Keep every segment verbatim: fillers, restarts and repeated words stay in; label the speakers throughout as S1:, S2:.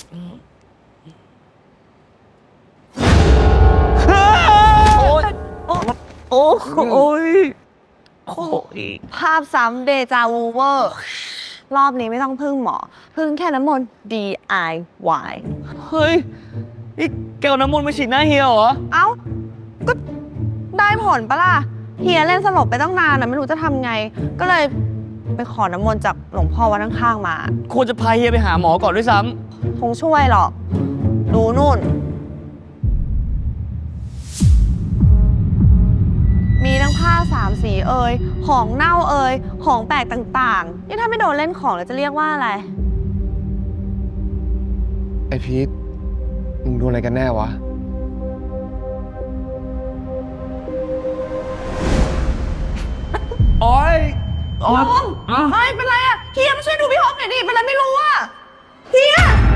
S1: โอ้โอ้โอ้ยโอ้ยภาพซ้ำเดจาวูเวอร์รอบนี้ไม่ต้องพึ่งหมอ พึ่งแค่น้ำมนต์ ดี ไอ วาย
S2: เฮ้ยนี่แกเอาน้ำมนต์มาฉีดหน้าเฮียเหรอ
S1: เอ้า ก็ได้ผลปะล่ะ เฮียเล่นสลบไปตั้งนานนะไม่รู้จะทำไง ก็เลยไปขอน้ำมนต์จากหลวงพ่อวัดข้างๆมา
S2: ควรจะพาเฮียไปหาหมอก่อนด้วยซ้
S1: คงช่วยหรอก ดูนู่น มีทั้งผ้าสามสีเอ่ย ของเน่าเอ่ย ของแปลกต่างๆ นี่ถ้าไม่โดนเล่นของแล้วจะเรียกว่าอะไร
S3: ไอพีทมึงดูอะไรกันแน่วะ
S2: ำโอ้ยโอ้ย
S1: เฮ้ย เป็นไรอะเฮียมาช่วยดูพี่ฮอปหน่อยดิ เป็นไรไม่รู้อะเฮีย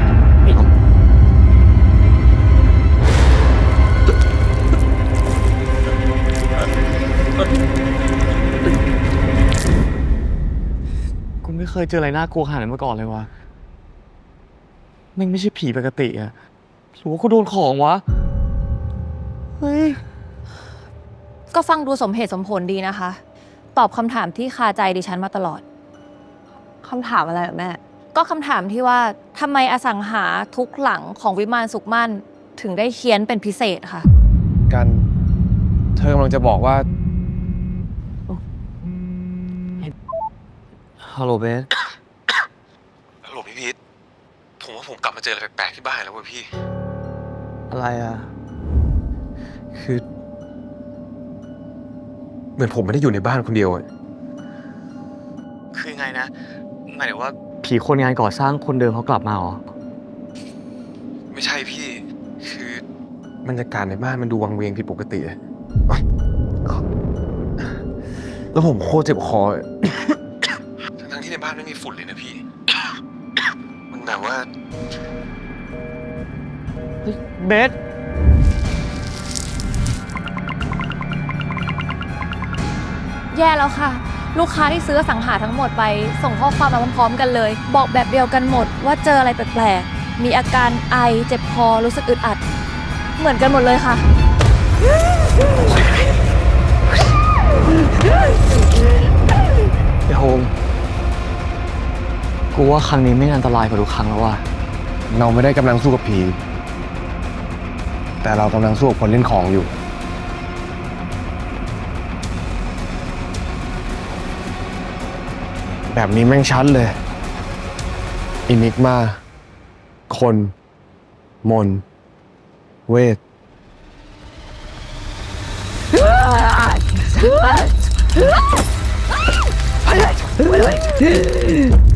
S2: กูไม่เคยเจออะไรน่ากลัวขนาดนั้นมาก่อนเลยวะแม่งไม่ใช่ผีปกติอะหรือว่ากูโดนของวะ เฮ้ย
S4: ก็ฟังดูสมเหตุสมผลดีนะคะ ตอบคำถามที่คาใจดิฉันมาตลอด
S1: คำถามอะไรเหรอแม่
S4: ก็คำถามที่ว่าทำไมอสังหาทุกหลังของวิมานสุขมั่นถึงได้เคี้ยนเป็นพิเศษค่ะ
S3: กัน เธอกำลังจะบอกว่า
S2: ฮัลโหลเบส
S5: ฮัลโหลพี่พีทผมว่าผมกลับมาเจออะไรแปลกๆที่บ้านแล้วเว้ยพี่
S2: อะไรอะ
S5: คือ เหมือนผมไม่ได้อยู่ในบ้านคนเดียวอะ
S2: คือยังไงนะหมายถึงว่าผีคนงานก่อสร้างคนเดิมเขากลับมาเหรอ
S5: ไม่ใช่พี่ คือบรรยากาศในบ้านมันดูวังเวงผิดปกติอะแล้วผมโคตรเจ็บคอ ทั้งๆที่ในบ้านไม่มีฝุ่นเลยนะพี่ มันแบบว่า
S2: เบส
S4: แย่แล้วค่ะ ลูกค้าที่ซื้ออสังหาทั้งหมดไปส่งข้อความมาพร้อมๆกันเลย บอกแบบเดียวกันหมดว่าเจออะไรแปลกๆ มีอาการไอเจ็บคอรู้สึกอึดอัด เหมือนกันหมดเลยค่ะ
S2: ไอ้โฮมกูว่าครั้งนี้ไม่อันตรายกว่าทุกครั้งแล้วว่ะ
S3: เราไม่ได้กำลังสู้กับผี แต่เรากำลังสู้กับคนเล่นของอยู่ แบบนี้แม่งชัดเลย อินิกมา คน มน เวท